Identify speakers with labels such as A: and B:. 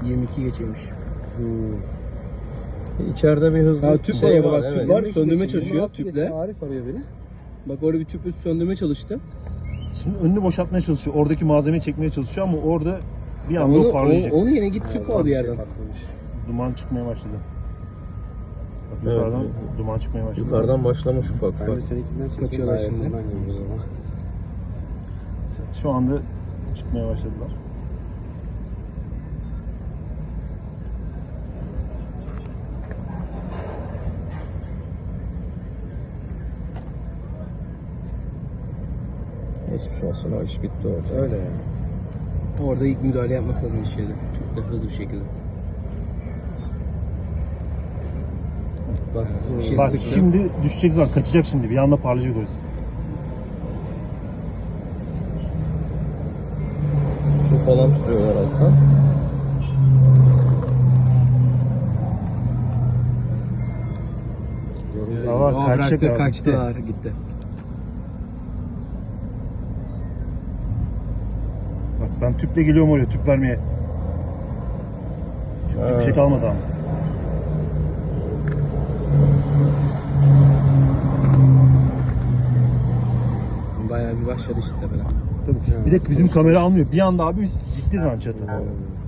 A: 22 geçeymiş.
B: İçeride bir hızlı
A: Ha, tüp
B: şey
A: var,
B: var.
A: bak,
B: Evet.
A: tüp var. Söndürme çalışıyor
C: 26
A: tüple.
C: geçiyor. Arif arıyor beni.
A: Bak orada bir tüple söndürme çalıştı.
D: Şimdi önünü boşaltmaya çalışıyor. Oradaki malzemeyi çekmeye çalışıyor ama orada bir anda o parlayacak.
A: Onu yine git tüp al bir yerden.
D: Duman çıkmaya başladı. Bak
B: Evet.
D: yukarıdan duman çıkmaya başladı.
B: Yukarıdan başlamış ufak
C: Ben de
B: ufak.
C: seninkinden çekeyim.
A: Kaçıyorlar
C: Gayet
A: şimdi.
C: ondan geliyoruz ama.
D: Şu anda çıkmaya başladılar.
B: Geçmiş olsun, o iş bitti orada.
C: Öyle yani.
A: Orada ilk müdahale yapması lazım işleri. Çok da hızlı bir şekilde.
C: Bak,
A: Bir şey
D: Bak
A: sıktı.
D: şimdi düşecek zaman kaçacak şimdi. Bir anda parlayacak orası.
B: Su falan tutuyorlar alttan.
D: Hava
A: Aa,
D: kaçacak
A: bıraktı,
D: abi,
A: kaçtılar, gitti.
D: Bak ben tüple geliyorum oraya tüp vermeye. Çünkü bir şey kalmadı ama.
A: Bayağı bir başladı işte böyle.
D: Tabii. Bir de bizim kamera almıyor. Bir anda abi üst gitti lan çatı.